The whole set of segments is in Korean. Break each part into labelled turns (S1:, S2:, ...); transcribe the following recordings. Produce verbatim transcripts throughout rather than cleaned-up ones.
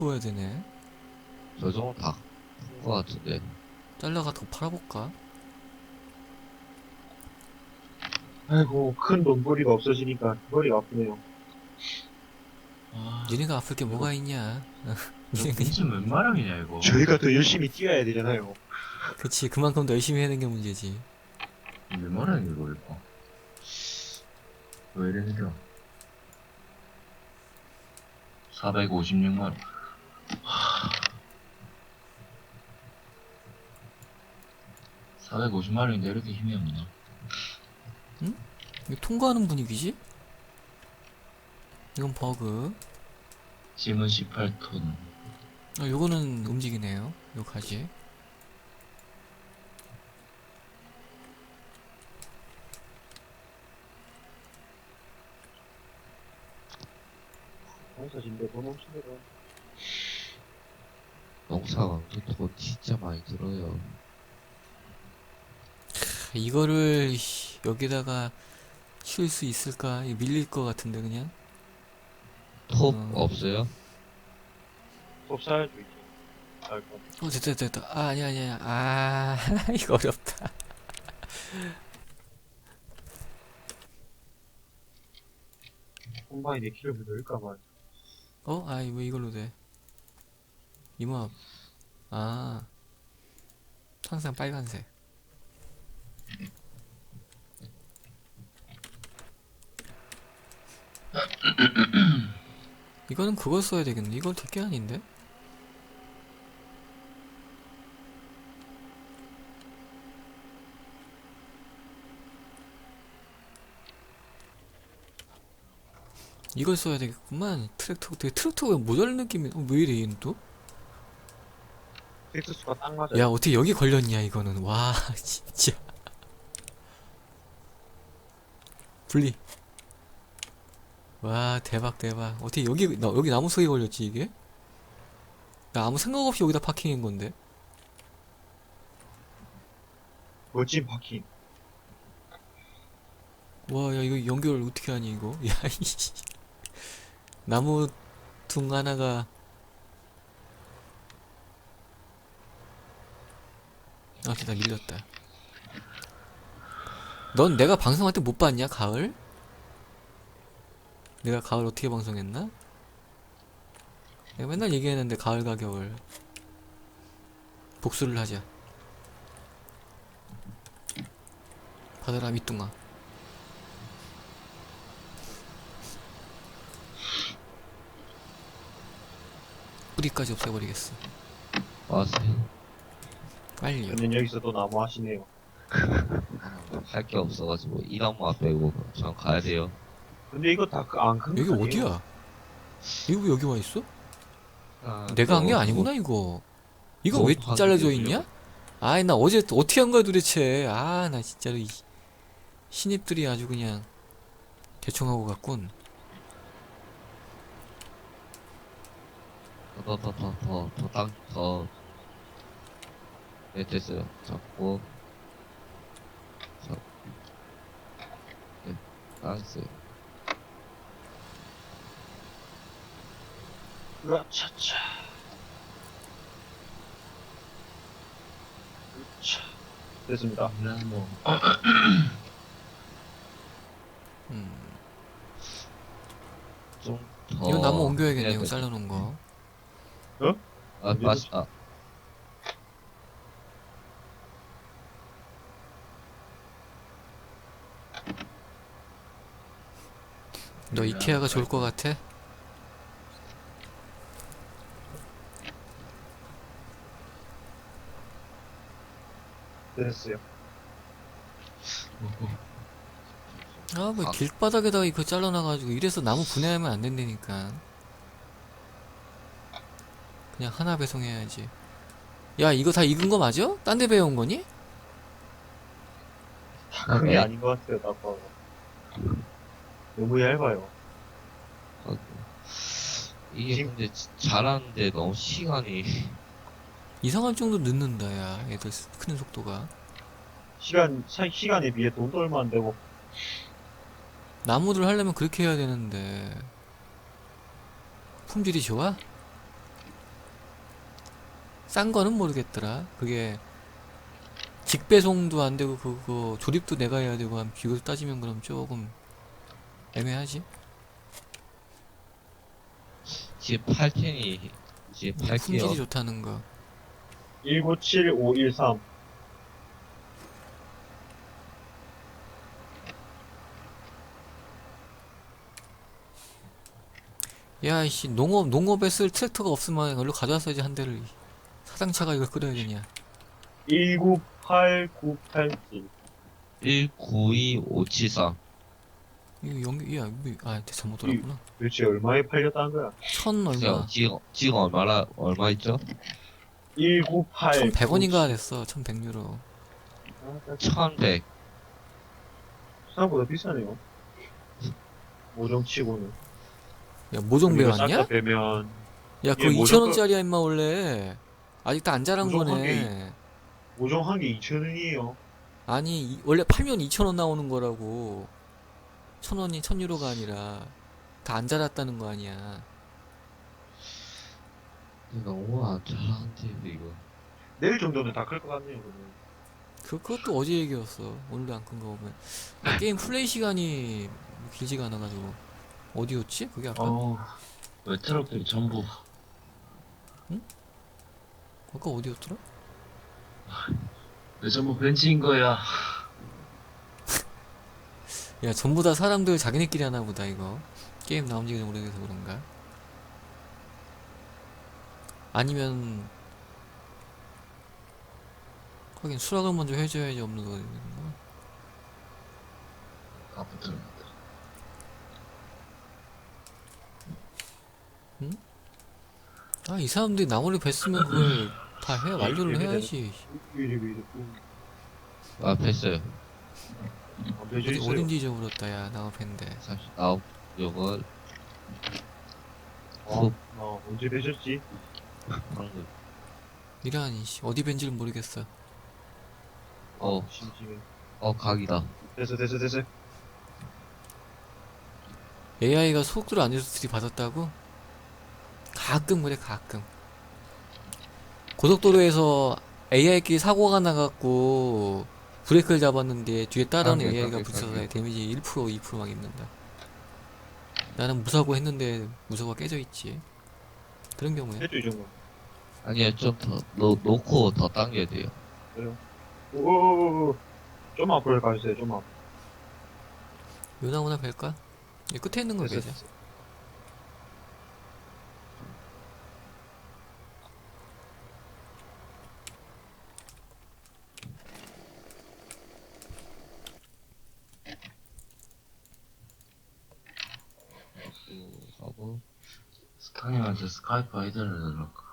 S1: 보여야 되네.
S2: 저 정도 다 큰 거 같은데.
S1: 잘라가 더 팔아볼까?
S3: 아이고, 큰 돈벌이가 없어지니까 머리가 아프네요.
S4: 아,
S1: 니네가 아플 게
S4: 이거,
S1: 뭐가 있냐?
S4: 이거
S1: 니네 그냥
S4: 빈집 웬 마당이냐, 이거.
S3: 저희가 더 열심히 뛰어야 되잖아요.
S1: 그치, 그만큼 더 열심히 하는 게 문제지.
S4: 웬 마당이야, 이거, 이거. 왜 이래 느려? 사백오십육만 원. 사백오십만 원인데 이렇게 힘이 없나?
S1: 이거 통과하는 분위기지? 이건 버그.
S4: 짐은 십팔 톤.
S1: 어, 요거는 움직이네요. 요 가지.
S3: 농사진데 돈 없으면
S2: 농사가 돈 진짜 많이 들어요.
S1: 이거를 씨, 여기다가 쉴 수 있을까? 이거 밀릴 것 같은데 그냥.
S2: 톱
S1: 어.
S2: 없어요?
S3: 톱 사야죠, 이제. 아이고,
S1: 어 됐다 됐다. 아 아니야 아니야. 아 이거 어렵다.
S3: 콤바인에 키를 넣을까봐.
S1: 어? 아 왜 이걸로 돼? 이모압. 아 항상 빨간색. 이거는 그걸 써야 되겠네. 이건 되게 아닌데? 이걸 써야 되겠구만. 트랙터, 되게 트랙터가 모자란 느낌이, 어, 왜 이래, 얘는 또?
S3: 텍스수가 딱 맞아요.
S1: 야, 어떻게 여기 걸렸냐, 이거는. 와, 진짜. 분리. 와, 대박, 대박. 어떻게 여기, 나, 여기 나무 속에 걸렸지, 이게? 나 아무 생각 없이 여기다 파킹한 건데.
S3: 멋진 바퀴.
S1: 와, 야, 이거 연결 어떻게 하니, 이거? 야, 이씨. 나무 둥 하나가. 아, 진짜 밀렸다. 넌 내가 방송할 때 못 봤냐, 가을? 내가 가을 어떻게 방송했나? 내가 맨날 얘기했는데, 가을과 겨울. 복수를 하자. 받아라, 밑둥아. 뿌리까지 없애버리겠어.
S2: 와세요.
S1: 빨리요.
S3: 저는 여기서 또 나무 하시네요.
S2: 할 게 없어가지고 이나무만 빼고 전 가야 돼요.
S3: 근데 이거 다 안 큰 거
S1: 여기
S3: 아니에요?
S1: 어디야? 이거 왜 여기 와 있어?
S2: 아,
S1: 내가 한 게
S2: 또
S1: 아니구나, 이거. 이거
S2: 뭐
S1: 왜
S2: 하는
S1: 잘라져
S2: 거예요?
S1: 있냐? 아이, 나 어제 또 어떻게 한 거야, 도대체. 아, 나 진짜로, 이 신입들이 아주 그냥 대충 하고 갔군.
S2: 더더더더더더땅더 네, 됐어요. 잡고 잡 네, 나이스.
S3: 으차차. 으차. 됐습니다.
S4: 나무.
S1: 음.
S2: 좀더
S1: 이거 나무 옮겨야겠네, 이거 잘라놓은 거.
S2: 아, 맞, 아,
S1: 너 이케아가 좋을 것 같아?
S3: 됐어요.
S1: 아, 뭐
S2: 아.
S1: 길바닥에다가 이거 잘라놔가지고 이래서 나무 분해하면 안 된다니까. 그냥 하나 배송해야지. 야, 이거 다 익은 거 맞아? 딴 데 배운 거니?
S3: 다 큰 게
S2: 네.
S3: 아닌 것 같아요, 나빠가. 너무 얇아요.
S2: 아, 이게
S3: 지금-
S2: 근데 지- 잘하는데 너무 시간이
S1: 이상할 정도 늦는다, 야. 애들 스- 크는 속도가.
S3: 시간, 차, 시간에 비해 돈도 얼마 안 되고.
S1: 나무들 하려면 그렇게 해야 되는데. 품질이 좋아? 싼 거는 모르겠더라. 그게 직배송도 안 되고 그거 조립도 내가 해야 되고 한 비교 따지면 그럼 조금 애매하지.
S2: 지금 팔 텐이 지금
S1: 품질이
S2: 팔게요.
S1: 좋다는 거.
S3: 일구칠오일삼.
S1: 야, 이씨, 농업, 농업에 쓸 트랙터가 없으면 얼른 가져왔어야지, 한 대를. 사장차가 이걸 끌어야 되냐.
S3: 일구팔구팔칠.
S2: 일구이오칠삼.
S1: 이거 연기, 야, 뭐, 아, 잘못 돌았구나.
S3: 도대체 얼마에 팔렸다는 거야?
S1: 천 얼마.
S2: 지금 지금 얼마나 얼마 있죠?
S3: 일구팔.
S1: 천백 원인가 됐어, 천백 유로.
S2: 천백.
S3: 생각보다 비싸네요. 모종치고는.
S1: 야, 모종
S3: 이거
S1: 배웠냐?
S3: 싹다 빼면
S1: 야, 그거
S3: 예, 모종
S1: 이천 원짜리야, 임마, 원래. 아직도 안 자란
S3: 모종 한
S1: 거네.
S3: 모종 한 개 이천 원이에요.
S1: 아니, 이- 원래 팔면 이천 원 나오는 거라고. 천 원이 천 유로가 아니라. 다 안 자랐다는 거 아니야.
S2: 너무 안 잘하는데 이거.
S3: 내일 정도는 다 클 것 같네요. 그러면.
S1: 그, 그것도 어제 얘기였어. 오늘도 안 큰 거 보면. 아, 게임 플레이 시간이 길지가 않아가지고. 어디였지? 그게 아까?
S4: 어, 왜 트럭들이 전부
S1: 아까 어디였더라?
S4: 왜 전부 벤치인 거야?
S1: 야, 전부 다 사람들 자기네끼리 하나 보다, 이거. 게임 나온 지 오래돼서 그런가? 아니면, 하긴 수락을 먼저 해줘야지 업로드가 되는 거.
S4: 아무튼
S1: 아, 이 사람들이 나무를 뱄으면 그걸 다 해, 완료를 해야지.
S3: 위리 위리.
S2: 아 뺐어요.
S3: 안 되죠
S1: 어디,
S3: 있어요.
S1: 어딘지 잊어버렸다, 야, 나무 뱄는데.
S2: 삼십구. 요거
S3: 어, 어, 언제 되셨지?
S2: 방금.
S1: 이라니, 씨, 어디 벤지를 모르겠어.
S2: 어,
S3: 심심해.
S2: 어 각이다.
S3: 됐어 됐어 됐어.
S1: 에이아이가 속도를 안 내서 들이받았다고? 가끔 그래, 가끔. 고속도로에서 에이아이끼리 사고가 나갖고 브레이크를 잡았는데 뒤에 따라오는
S2: 가게,
S1: 에이아이가
S2: 가게,
S1: 붙여서
S2: 가게.
S1: 데미지 일 퍼센트, 이 퍼센트 막 입는다. 나는 무사고 했는데 무사고가 깨져있지. 그런 경우에.
S3: 됐죠 이 정도.
S2: 아니요 좀 더 놓고 더 당겨야 돼요.
S3: 오오오오. 좀 앞으로 가주세요. 좀 앞.
S1: 요나오나 뵐까? 이 끝에 있는 거
S3: 됐어
S1: 베자.
S3: 됐어.
S2: 하고
S4: 스카님한테 스카이프 아이디를 넣을까?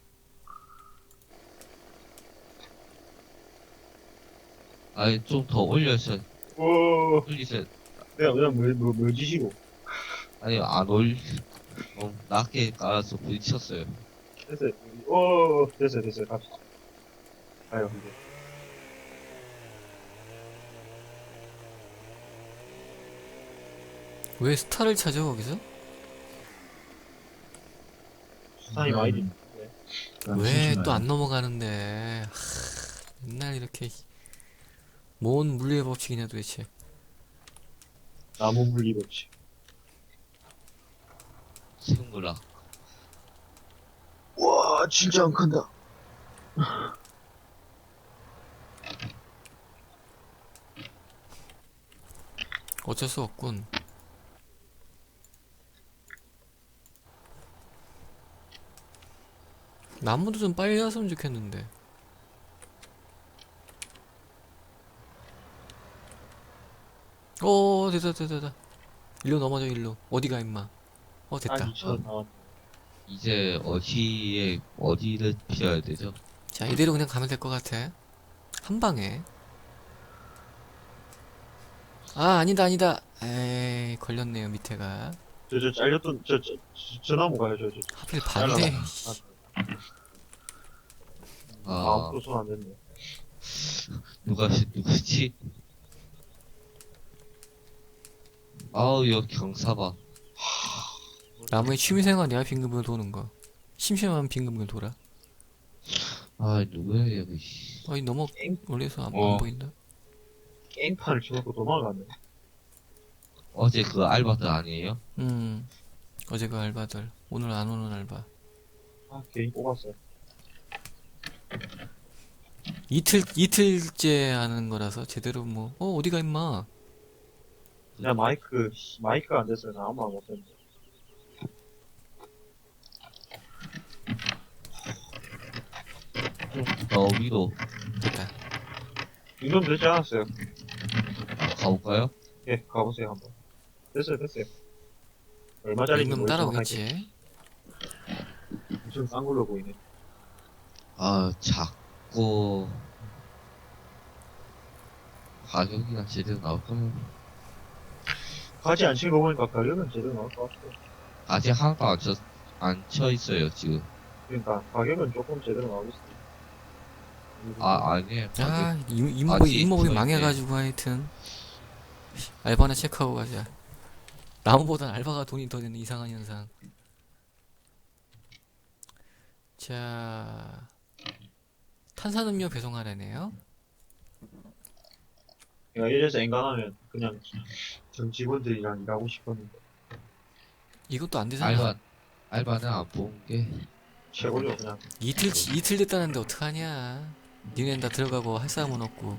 S2: 아니 좀 더 올려서
S3: 오.
S2: 올리세요.
S3: 내가 그냥 뭐, 뭐, 뭐 지시고.
S2: 아니 안 올. 너무 낮게 깔아서 부딪혔어요.
S3: 됐어요. 오, 됐어요, 됐어요. 갑시다. 가요, 이제.
S1: 왜 스타를 찾아 거기서?
S3: 수산이 많이 돼.
S1: 왜 또 안 넘어가는데? 하, 맨날 이렇게 뭔 물리의 법칙이냐 도대체.
S3: 나무 물리 법칙.
S2: 생물아.
S3: 와, 진짜 안 큰다.
S1: 어쩔 수 없군. 나무도 좀 빨리 왔으면 좋겠는데. 오, 됐다, 됐다, 됐다. 일로 넘어져, 일로. 어디가, 임마. 어, 됐다.
S3: 한 이천 원 나왔.
S2: 이제 어디에 어디를 피해야 되죠?
S1: 자, 이대로 그냥 가면 될 것 같아. 한 방에. 아, 아니다, 아니다. 에이, 걸렸네요, 밑에가.
S3: 저, 저, 잘렸던, 저, 저, 저, 저 나무 가요, 저, 저.
S1: 하필 반대.
S3: 아,
S2: 아
S3: 또 손 안 됐네.
S2: 누가 누구지? 아우 여기 경사봐.
S1: 나무의 취미생활이야, 빙글빙글 도는 거. 심심하면 빙글빙글 돌아.
S2: 아, 누구야, 여기, 씨.
S1: 아니 너무
S3: 깽,
S1: 멀리서 안,
S4: 어.
S1: 안 보인다.
S3: 깽판을 쳐놓고 도망가네.
S2: 어제 그 알바들 아니에요?
S1: 음 어제 그 알바들 오늘 안 오는 알바.
S3: 아, 괜히 뽑았어요.
S1: 이틀 이틀째 하는 거라서 제대로 뭐 어 어디가 임마.
S3: 그냥 마이크, 씨, 마이크가 안 됐어요. 나 아무 말 못했는데.
S2: 어, 위로
S1: 됐다.
S3: 이 정도 되지 않았어요?
S2: 가볼까요?
S3: 예, 가보세요, 한번. 됐어요, 됐어요. 얼마짜리인지
S1: 임금
S3: 모르겠지만
S1: 따라오겠지.
S3: 엄청 싼 걸로 보이네.
S2: 아, 자꾸, 가격이나 제대로 나올까요?
S3: 가지 안 치고 보니까 가격은 제대로 나올 것 같아요.
S2: 아직 하나도 안 쳐, 안 쳐 있어요, 지금.
S3: 그러니까 가격은 조금 제대로 나오겠어요.
S2: 아, 아니에요.
S1: 아
S2: 가격.
S1: 임- 임목이
S2: 아직
S1: 임목이
S2: 저 있네.
S1: 망해가지고 하여튼 알바나 체크하고 가자. 나무보단 알바가 돈이 더 되는 이상한 현상. 자 탄산음료 배송하라네요.
S3: 내가 이래서 엔간하면 그냥 전 직원들이랑 일하고 싶었는데
S1: 이것도 안 되잖아.
S2: 알바, 알바는 안 본 게.
S3: 최고죠, 그냥.
S1: 이틀 이틀 됐다는데 어떡하냐. 니넨 다 들어가고 할 사람은 없고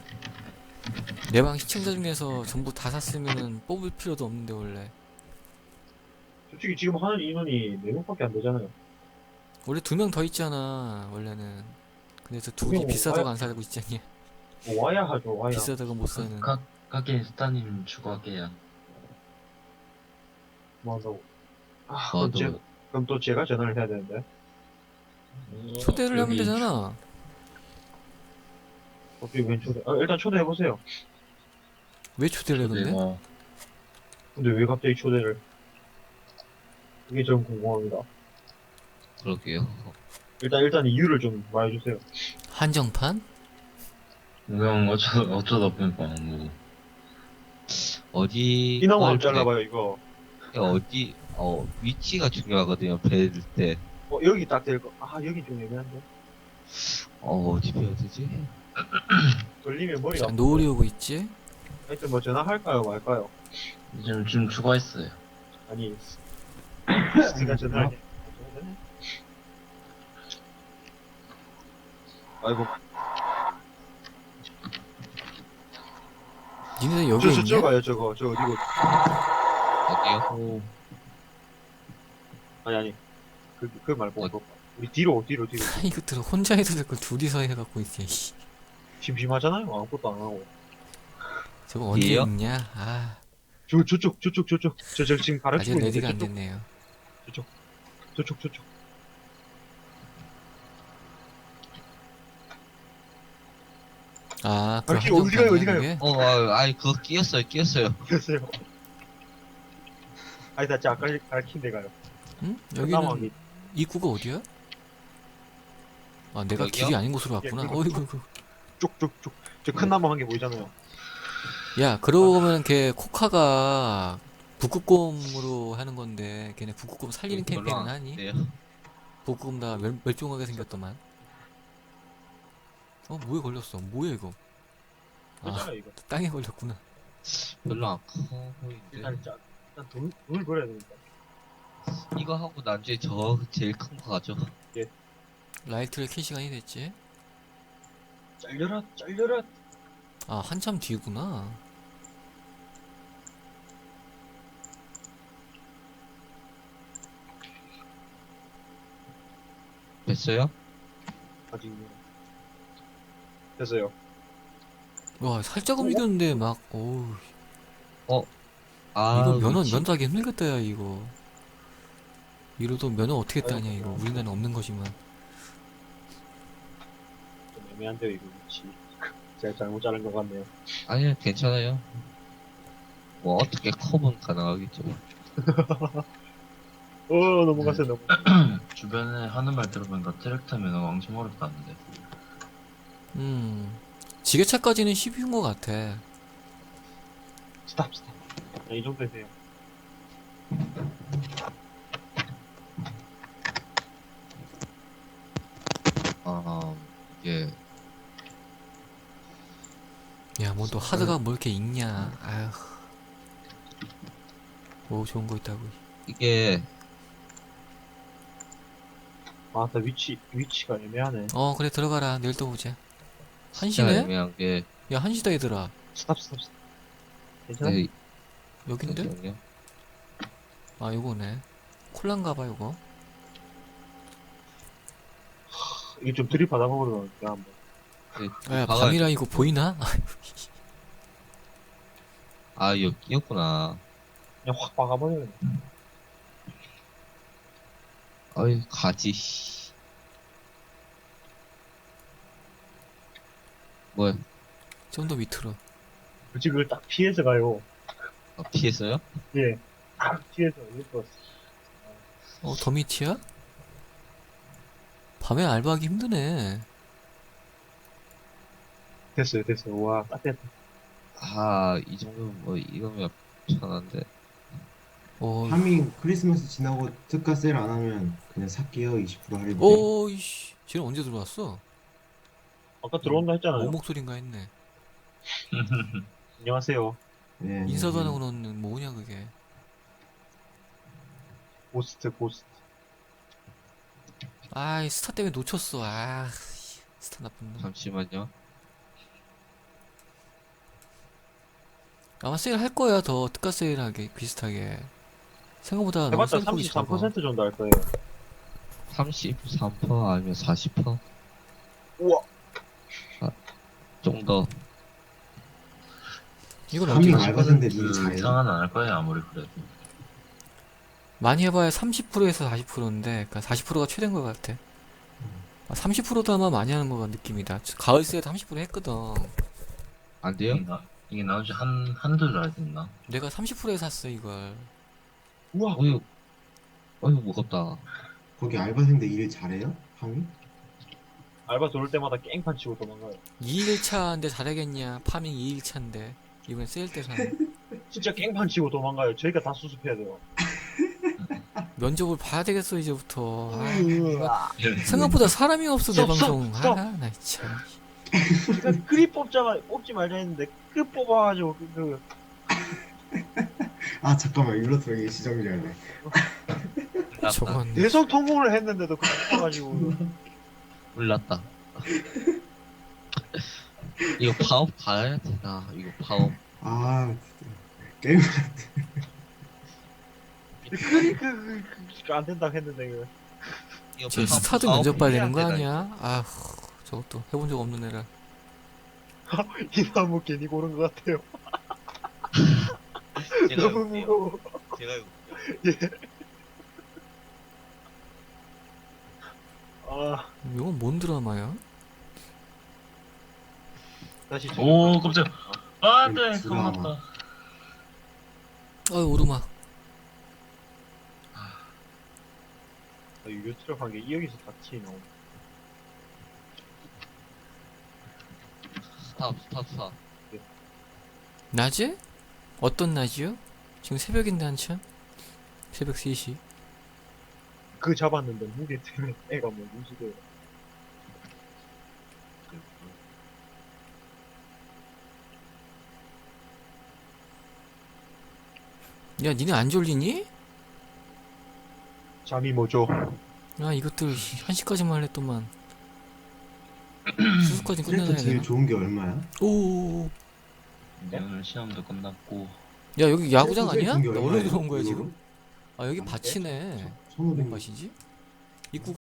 S1: 내 방 시청자 중에서 전부 다 샀으면은 뽑을 필요도 없는데 원래
S3: 솔직히 지금 하는 인원이 네 명밖에 안 되잖아요.
S1: 원래 두 명 더 있잖아 원래는. 근데 저 둘이
S3: 두 명,
S1: 비싸다고
S3: 와야-
S1: 안 살고 있잖니.
S3: 뭐 와야 하죠, 와야.
S1: 비싸다고 못 사는.
S4: 가, 가게 스타님 추가할게요.
S3: 뭐 한다고. 아,
S2: 어,
S3: 그럼, 제,
S2: 너,
S3: 그럼 또 제가 전화를 해야 되는데.
S1: 초대를 하면
S4: 여기
S1: 되잖아.
S3: 어떻게 웬 초대? 아, 일단 초대해보세요.
S1: 왜 초대를 해 근데?
S4: 내가
S3: 근데 왜 갑자기 초대를? 이게 좀 궁금합니다.
S2: 그러게요.
S3: 일단, 일단 이유를 좀 말해주세요.
S1: 한정판?
S4: 그냥 어쩌, 어쩌다 보니까 뭐
S2: 어디,
S3: 이나무
S2: 걸
S3: 안 잘라봐요, 이거.
S2: 때- 어디, 어, 위치가 중요하거든요, 배일 때.
S3: 어, 여기 딱 될 거. 아, 여기 좀 애매한데.
S2: 어, 어디 배야 되지?
S3: 돌리면 머리가.
S1: 자, 노을이 오고 있지?
S3: 하여튼 뭐 전화할까요, 말까요?
S4: 지금 지금 추가했어요.
S3: 아니, 제가 전화를 해. 아이고,
S1: 니네들 여기
S3: 저, 저,
S1: 있냐?
S3: 저 가요, 저거. 저 어디고.
S2: 어디요?
S3: 아니, 아니. 그, 그 말고,
S2: 어.
S3: 그거. 우리 뒤로, 뒤로, 뒤로.
S1: 아, 이것들은 혼자 해도 될 걸 둘이서 해갖고 있지. 씨.
S3: 심심하잖아요, 아무것도 안 하고.
S1: 저거 언제
S2: 얘요?
S1: 있냐? 아,
S3: 저, 저쪽, 저쪽, 저쪽. 저, 저 지금
S1: 아직
S3: 가르치고 있는데,
S1: 레디가 안
S3: 저쪽,
S1: 됐네요.
S3: 저쪽, 저쪽.
S1: 아, 그
S3: 아, 어디 가요, 어디
S1: 한정판이야,
S3: 가요?
S1: 그게?
S2: 어, 아, 아이, 그거 끼었어요, 끼었어요.
S3: 됐어요. 아니, 나 진짜 아까 가르친 데 가요.
S1: 응?
S3: 여기는
S1: 여기는 입구가 어디야? 아, 내가
S2: 여기요?
S1: 길이 아닌 곳으로 왔구나.
S3: 예, 그거
S1: 어이구, 어이구.
S3: 쪽쪽쪽. 저 큰 나무 한 개 보이잖아요.
S1: 야, 그러고 보면 걔 코카가 북극곰으로 하는 건데 걔네 북극곰 살리는
S2: 별로
S1: 캠페인은
S2: 안
S1: 하니?
S2: 돼요.
S1: 북극곰 다 멸, 멸종하게 생겼더만. 어, 뭐에 걸렸어? 뭐야 이거? 아,
S3: 그잖아요, 이거.
S1: 땅에 걸렸구나.
S2: 별로 안 커 보이는데.
S3: 일단, 짜- 일단 돈, 돈을 벌어야 되니까.
S2: 이거 하고 나중에 저 제일 큰 거 가죠.
S1: 라이트를 켤 시간이 됐지?
S3: 잘려라, 잘려라.
S1: 아, 한참 뒤구나.
S2: 됐어요?
S3: 아직. 됐어요.
S1: 와, 살짝 움직였는데 막, 오우.
S2: 아,
S1: 이거 면허,
S2: 위치-
S1: 면도하기 힘들겠다, 야, 이거. 이러도 면허 어떻게 따냐, 이거. 우리나라는 없는 거지만.
S3: 좀 애매한데요, 이거 위치. 제가 잘못 자른 것 같네요.
S2: 아니요, 괜찮아요. 뭐, 어떻게 컵은 가능하겠죠.
S3: 어, 넘어갔어요, 넘어.
S4: 주변에 하는 말 들어보니까 트랙터 면허가 엄청 어렵다는데.
S1: 음. 지게차까지는 십인 것 같아.
S3: 스탑, 스탑. 자, 이 정도 되세요.
S2: 아, 이게,
S1: 야, 뭐 또 하드가 뭐 이렇게 있냐. 아휴. 뭐 좋은 거 있다고.
S2: 이게,
S3: 아, 나 위치, 위치가 애매하네.
S1: 어, 그래, 들어가라. 내일 또 보자.
S2: 진짜
S1: 한시네?
S2: 애매한 게,
S1: 야, 한시다, 얘들아.
S3: 스탑, 스탑, 스탑. 괜찮아?
S2: 네,
S1: 여긴데?
S2: 잠시만요.
S1: 아, 요거네. 콜란가봐, 요거.
S3: 이게 좀 들이받아 먹으러 갈게, 한번.
S2: 네,
S1: 야,
S2: 박아야
S1: 밤이라
S2: 돼.
S1: 이거 보이나?
S2: 아, 여기였구나.
S3: 그냥 확 박아버리네.
S2: 어이, 가지, 씨. 뭐야,
S1: 좀 더 밑으로.
S3: 굳이 그걸 딱 피해서 가요.
S2: 아, 피했어요?
S3: 예. 딱 피해서, 이거.
S1: 어, 더 밑이야? 밤에 알바하기 힘드네.
S3: 됐어요, 됐어요. 와, 딱 됐다.
S2: 아, 이 정도면 뭐, 이거면 편한데.
S1: 어,
S5: 하밍 크리스마스 지나고 특가 세일 안 하면 그냥 살게요. 이십 퍼센트 할인.
S1: 오, 이씨. 쟤는 언제 들어왔어?
S3: 아까 들어온다 했잖아요.
S1: 뭐 목소린가 했네.
S3: 안녕하세요.
S5: 네,
S1: 인사도 안
S5: 네.
S1: 하고 너는 뭐냐, 그게.
S3: 고스트, 고스트.
S1: 아이, 스타 때문에 놓쳤어. 아, 스타 나쁜 놈.
S2: 잠시만요.
S1: 아마 세일 할 거야, 더 특가 세일하게, 비슷하게. 생각보다 너무
S3: 해봤자
S1: 세일 폭이
S3: 삼십삼
S1: 작아.
S3: 퍼센트 정도 할 거예요.
S2: 삼십삼 퍼센트 아니면 사십 퍼센트?
S3: 우와.
S2: 좀 더.
S1: 이건
S5: 하밍
S1: 어떻게
S5: 알바생들
S4: 그
S5: 일 잘해.
S4: 이상은 안 할 거예요, 아무리 그래도.
S1: 많이 해봐야 삼십 퍼센트에서 사십 퍼센트인데, 그러니까 사십 퍼센트가 최대인 것 같아. 아, 삼십 퍼센트도 아마 많이 하는 것 같은 느낌이다. 가을 세일 삼십 퍼센트 했거든.
S2: 안 돼요?
S4: 이게, 나, 이게 나온 지 한, 한두 달 됐나?
S1: 내가 삼십 퍼센트에 샀어, 이걸.
S3: 우와.
S2: 어휴, 어휴, 무겁다.
S5: 거기 알바생들 일 잘해요? 하밍?
S3: 알바 들어올 때마다 깽판 치고 도망가요.
S1: 이 일차인데 잘하겠냐? 파밍 이 일차인데. 이번에 세일 때 사는.
S3: 진짜 깽판 치고 도망가요. 저희가 다 수습해야 돼요.
S1: 면접을 봐야 되겠어, 이제부터. 아,
S3: 으아.
S1: 생각보다 사람이 없어, 내
S3: 스톱, 스톱,
S1: 방송.
S3: 스톱.
S1: 아, 나 참.
S3: 그러니까 그리 뽑자, 뽑지 말자 했는데, 끝 뽑아가지고, 그, 그
S5: 아 잠깐만 일로 들어가기 시정지하네.
S1: 저건.
S3: 대성 통보를 했는데도 그 뽑아가지고.
S2: 몰랐다. 이거 파업 가야 되나? 이거 파업.
S5: 아 진짜. 게임
S3: 그리, 그, 그, 그, 그, 안 된다고 했는데, 그.
S2: 이거
S1: 쟤
S2: 파업,
S1: 스타도
S2: 파업
S1: 면접 봐야
S2: 해야
S1: 되는 거
S2: 되나,
S1: 아니야? 아휴, 저것도 해본 적 없는 애라.
S3: 이 나무 괜히 고른 것 같아요.
S2: 이거. 제가
S3: 너무
S2: 해볼게요.
S3: 무거워.
S2: 제가 이거.
S3: 아,
S1: 이건 뭔 드라마야?
S3: 다시.
S4: 오, 깜짝. 아, 네,
S5: 드라마.
S4: 고맙다.
S1: 어이, 오르막.
S3: 유료 트럭 게 여기서 같이 나오.
S2: 스탑, 스탑, 스탑.
S1: 낮에? 어떤 낮이요? 지금 새벽인데 한참? 새벽 세 시.
S3: 그 잡았는데 무게 때문에 애가 뭐 무지개.
S1: 야, 니네 안 졸리니?
S3: 잠이 뭐죠?
S1: 아, 이것들 한 시까지만 했더만. 수수까지 끝내놔야
S5: 트랙터 제일
S1: 되나?
S5: 좋은 게 얼마야?
S1: 오.
S4: 이제 오늘 시험도 끝났고.
S1: 야, 여기 야구장
S5: 트랙터 제일
S1: 아니야?
S5: 좋은 게
S1: 나 어디로
S5: 얼마예요?
S1: 들어온 거야,
S5: 이거로?
S1: 지금? 아, 여기 밭이네.
S5: 천오백.
S1: 뭔 맛이지? 입구